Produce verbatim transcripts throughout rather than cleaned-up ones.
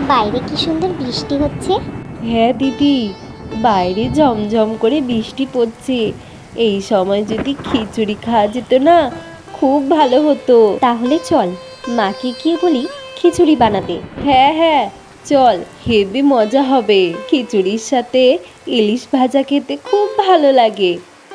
বাইরে কি সুন্দর বৃষ্টি হচ্ছে। হ্যাঁ দিদি, বাইরে ঝমঝম করে বৃষ্টি পড়ছে। এই সময় যদি খিচুড়ি খাওয়া যেত না, খুব ভালো হতো। তাহলে চল, মাকে গিয়ে বলি খিচুড়ি বানাতে। হ্যাঁ হ্যাঁ চল, হেবি মজা হবে। খিচুড়ির সাথে ইলিশ ভাজা খেতে খুব ভালো লাগে।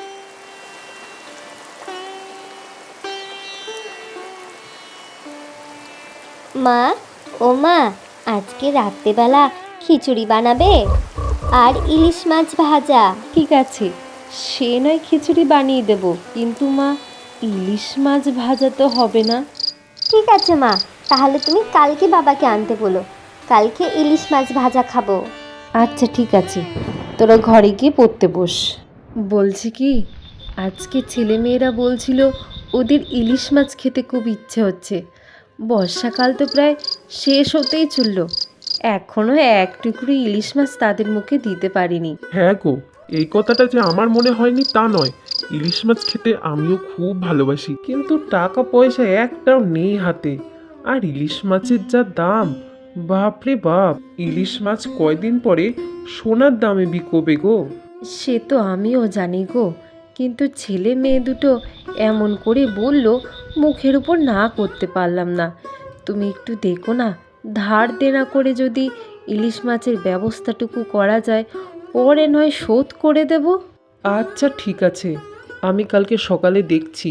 মা, ও মা, আজকে রাত্রেবেলা খিচুড়ি বানাবে আর ইলিশ মাছ ভাজা। ঠিক আছে, সে নয় খিচুড়ি বানিয়ে দেব, কিন্তু মা, ইলিশ মাছ ভাজা তো হবে না। ঠিক আছে মা, তাহলে তুমি কালকে বাবাকে আনতে বলো, কালকে ইলিশ মাছ ভাজা খাবো। আচ্ছা ঠিক আছে, তোরা ঘরে গিয়ে পড়তে বস। বলছি কি, আজকে ছেলেমেয়েরা বলছিল ওদের ইলিশ মাছ খেতে খুব ইচ্ছে হচ্ছে। বর্ষাকাল তো প্রায় শেষ হতেই চলল, এখনও এক টুকরো ইলিশ মাছ তাদের মুখে দিতে পারিনি। হ্যাঁ গো, এই কথাটা যে আমার মনে হয়নি তা নয়। ইলিশ মাছ খেতে আমিও খুব ভালোবাসি, কিন্তু টাকা পয়সা একটাও নেই হাতে। আর ইলিশ মাছের যা দাম, বাপরে বাপ! ইলিশ মাছ কয়দিন পরে সোনার দামে বিকোবে গো। সে তো আমিও জানি গো, কিন্তু ছেলে মেয়ে দুটো এমন করে বলল, মুখের উপর না করতে পারলাম না। তুমি একটু দেখো না, ধার দেনা করে যদি ইলিশ মাছের ব্যবস্থাটুকু করা যায়, পরে নয় শোধ করে দেব। আচ্ছা ঠিক আছে, আমি কালকে সকালে দেখছি।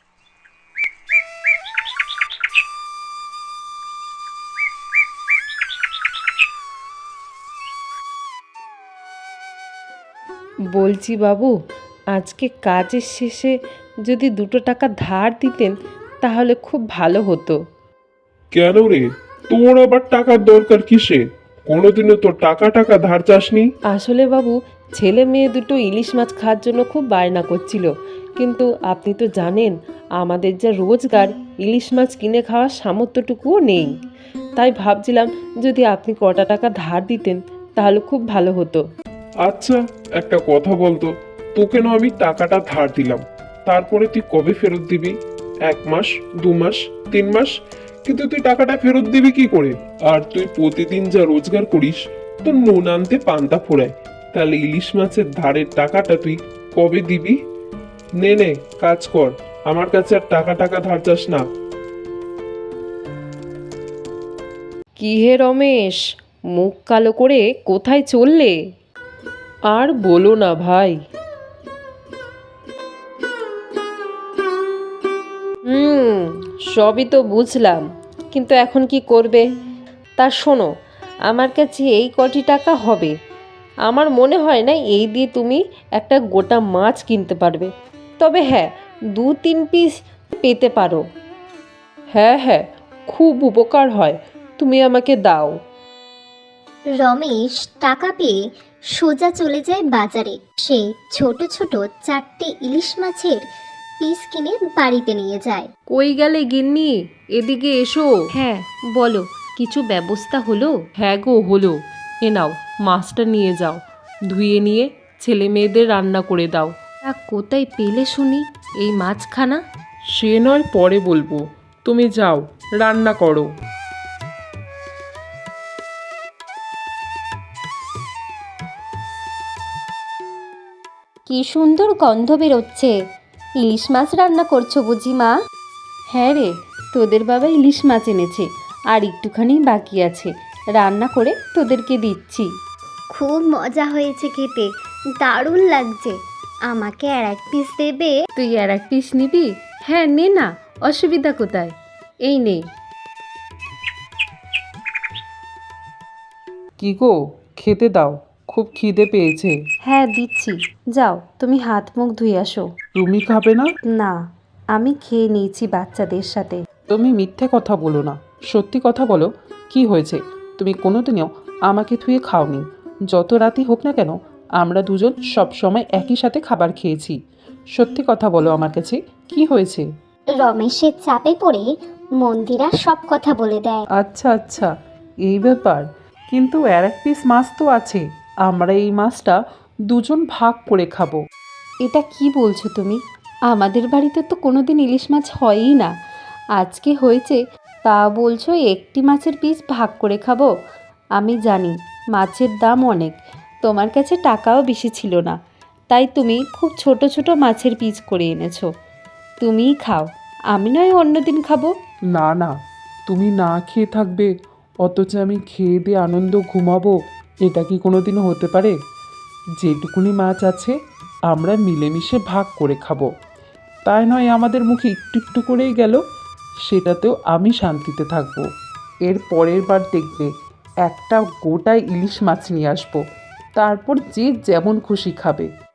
বলছি বাবু, আজকে কাজের শেষে যদি দুটো টাকা ধার দিতেন তাহলে খুব ভালো হতো। কেন রে, তোর আবার টাকার দরকার কিসে? কোনোদিনও তোর টাকা টাকা ধার চাসনি। আসলে বাবু, ছেলে মেয়ে দুটো ইলিশ মাছ খাওয়ার জন্য খুব বায়না করছিল, কিন্তু আপনি তো জানেন আমাদের যা রোজগার, ইলিশ মাছ কিনে খাওয়ার সামর্থ্যটুকুও নেই। তাই ভাবছিলাম যদি আপনি কটা টাকা ধার দিতেন তাহলে খুব ভালো হতো। আচ্ছা, একটা কথা বলতো, তোকে না আমি টাকাটা ধার দিলাম, তারপরে তুই কবে ফেরত দিবি? এক মাস, দু মাস, তিন মাস? কিন্তু তুই টাকাটা ফেরত দিবি কি করে? আর তুই প্রতিদিন যা রোজগার করিস, তোর নুন আনতে পান্তা ফোড়ায়, তাহলে ইলিশ মাছের ধারের টাকাটা তুই কবে দিবি? নে নে, কাজ কর, আমার কাছে আর টাকা টাকা ধার চাস না। কি হে রমেশ, মুখ কালো করে কোথায় চললে? আর বলো না ভাই। হুম, সবই তো বুঝলাম, কিন্তু এখন কি করবে? তা শোনো, আমার কাছে এই কটি টাকা হবে। আমার মনে হয় না এই দিয়ে তুমি একটা গোটা মাছ কিনতে পারবে। তবে হ্যাঁ, দু তিন পিস পেতে পারো। হ্যাঁ হ্যাঁ, খুব উপকার হয়, তুমি আমাকে দাও। রমেশ টাকা পেয়ে সোজা চলে যায় বাজারে। সে ছোট ছোট চারটে ইলিশ মাছের পিস কিনে বাড়িতে নিয়ে যায়। কই গেলে গিন্নি, এদিকে এসো। হ্যাঁ বলো, কিছু ব্যবস্থা হলো? হ্যাঁ গো হলো। এ নাও, মাছটা নিয়ে যাও, ধুয়ে নিয়ে ছেলে মেয়েদের রান্না করে দাও। তা কোথায় পেলে শুনি এই মাছখানা? সে নয় পরে বলবো, তুমি যাও, রান্না করো। কি সুন্দর গন্ধ বেরোচ্ছে। ইলিশ মাছ রান্না করছো বুঝি মা? হ্যাঁ রে, তোদের বাবা ইলিশ মাছ এনেছে, আর একটুখানি বাকি আছে, রান্না করে তোদেরকে দিচ্ছি। খুব মজা হয়েছে খেতে, দারুণ লাগছে। আমাকে আর এক পিস দেবে? তুই আর এক পিস নিবি? হ্যাঁ নে না, অসুবিধা কোথায়, এই নে। কি গো, খেতে দাও, খুব খিদে পেয়েছে। হ্যাঁ দিচ্ছি, যাও তুমি হাত মুখ ধুয়ে আসো। তুমি খাবে না? না, আমি খেয়ে নিয়েছি বাচ্চাদের সাথে। তুমি মিথ্যে কথা বলো না, সত্যি কথা বলো, কি হয়েছে? তুমি কোনোদিনও আমাকে থুয়ে খাওনি। যত রাতই হোক না কেন, আমরা দুজন সব সময় একই সাথে খাবার খেয়েছি। সত্যি কথা বলো আমার কাছে, কি হয়েছে? রমেশের চাপে পড়ে মন্দিরা সব কথা বলে দেয়। আচ্ছা আচ্ছা, এই ব্যাপার। কিন্তু আর এক পিস মাছ তো আছে, আমরা এই মাছটা দুজন ভাগ করে খাবো। এটা কি বলছো তুমি? আমাদের বাড়িতে তো কোনোদিন ইলিশ মাছ হয়ই না, আজকে হয়েছে তা বলছো একটি মাছের পিস ভাগ করে খাবো? আমি জানি মাছের দাম অনেক, তোমার কাছে টাকাও বেশি ছিল না, তাই তুমি খুব ছোট ছোট মাছের পিস করে এনেছো। তুমিই খাও, আমি নয় অন্যদিন খাবো। না না, তুমি না খেয়ে থাকবে অথচ আমি খেয়ে দিয়ে আনন্দ ঘুমাবো, এটা কি কোনো দিন হতে পারে? যেটুকুনি মাছ আছে আমরা মিলেমিশে ভাগ করে খাবো, তাই নয় আমাদের মুখে একটু একটু করেই গেল, সেটাতেও আমি শান্তিতে থাকবো। এর পরের বার দেখবে একটা গোটা ইলিশ মাছ নিয়ে আসবো, তারপর যে যেমন খুশি খাবে।